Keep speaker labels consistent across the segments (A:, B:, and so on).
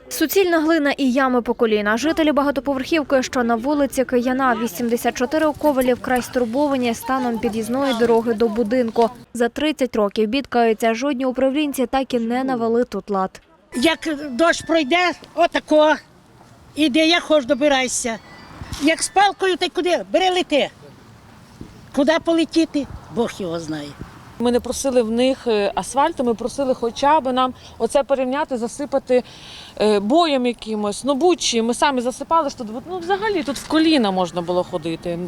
A: Суцільна глина і ями по коліна. Жителі багатоповерхівки, що на вулиці Кияна, 84 у Ковелі, вкрай стурбовані станом під'їзної дороги до будинку. За 30 років бідкаються, жодні управлінці так і не навели тут лад.
B: Як дощ пройде, отако, іди, як хоч добирайся. Як з палкою, та й куди? Бери лети. Куди полетіти, Бог його знає.
C: Ми не просили в них асфальту, ми просили хоча б нам оце порівняти, засипати боєм якимось, бучі. Ми самі засипали, що взагалі тут в коліна можна було ходити.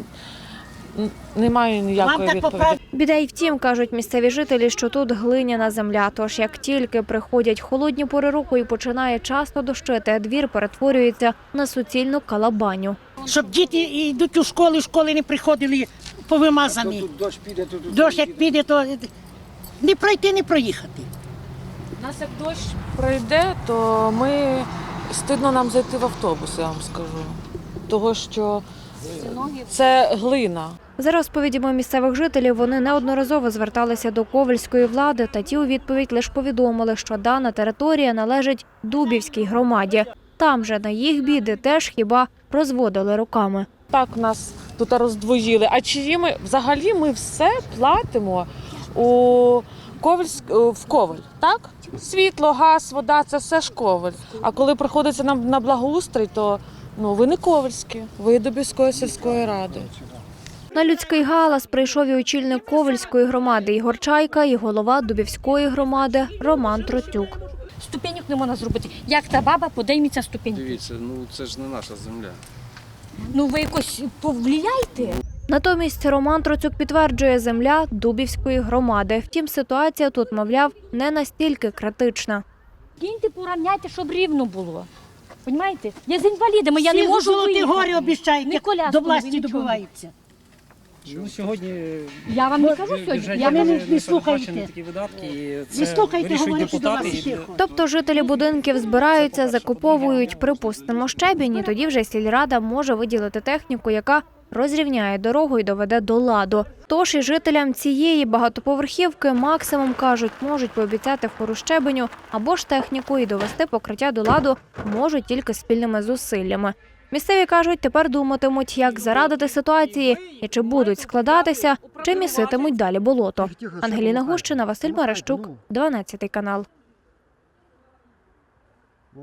C: Немає ніякої відповіді.
A: Біда й втім, кажуть місцеві жителі, що тут глиняна земля. Тож як тільки приходять холодні пори року і починає часто дощити, двір перетворюється на суцільну калабаню.
B: Щоб діти йдуть у школи не приходили повимазані. Дощ як піде, то не пройти, не проїхати.
C: У нас як дощ пройде, то стидно нам зайти в автобус, я вам скажу. Того, що це глина.
A: За розповідями місцевих жителів, вони неодноразово зверталися до ковельської влади, та ті у відповідь лише повідомили, що дана територія належить Дубівській громаді. Там же на їх біди теж хіба розводили руками.
C: Так нас тут роздвоїли. А чиї взагалі ми все платимо в Ковель, так? Світло, газ, вода – це все ж Ковель. А коли приходиться нам на благоустрій, то ви не ковельські, ви Дубівської сільської ради.
A: На людський галас прийшов і очільник Ковельської громади Ігор Чайка, і голова Дубівської громади Роман Троцюк.
D: Ступеньок не можна зробити. Як та баба подійметься ступеньки?
E: Дивіться, це ж не наша земля.
D: Ви якось повлияйте.
A: Натомість Роман Троцюк підтверджує, земля Дубівської громади. Втім, ситуація тут, мовляв, не настільки критична.
D: Кіньте, порівняйте, щоб рівно було. Понімаєте? Я з інвалідами, я не можу
B: Золоті
D: виїхати.
B: гори обіцяють,
D: Ні
B: як
D: коляску,
B: до
D: ні
B: власті
D: нічого.
B: добиваються.
F: Сьогодні
D: Я вам не кажу сьогодні.
B: Я не
F: передбачені
B: слухайте.
F: такі видатки, і
B: Не
F: це
B: слухайте,
F: вирішують
B: говорять до вас
F: депутати.
B: тихо.
A: Тобто жителі будинків збираються, закуповують, припустимо, щебінь, і тоді вже сільрада може виділити техніку, яка розрівняє дорогу і доведе до ладу. Тож і жителям цієї багатоповерхівки максимум, кажуть, можуть пообіцяти фуру щебеню або ж техніку, і довести покриття до ладу можуть тільки спільними зусиллями. Місцеві кажуть, тепер думатимуть, як зарадити ситуації і чи будуть складатися, чи міситимуть далі болото. Ангеліна Гущина, Василь Марищук, 12 канал.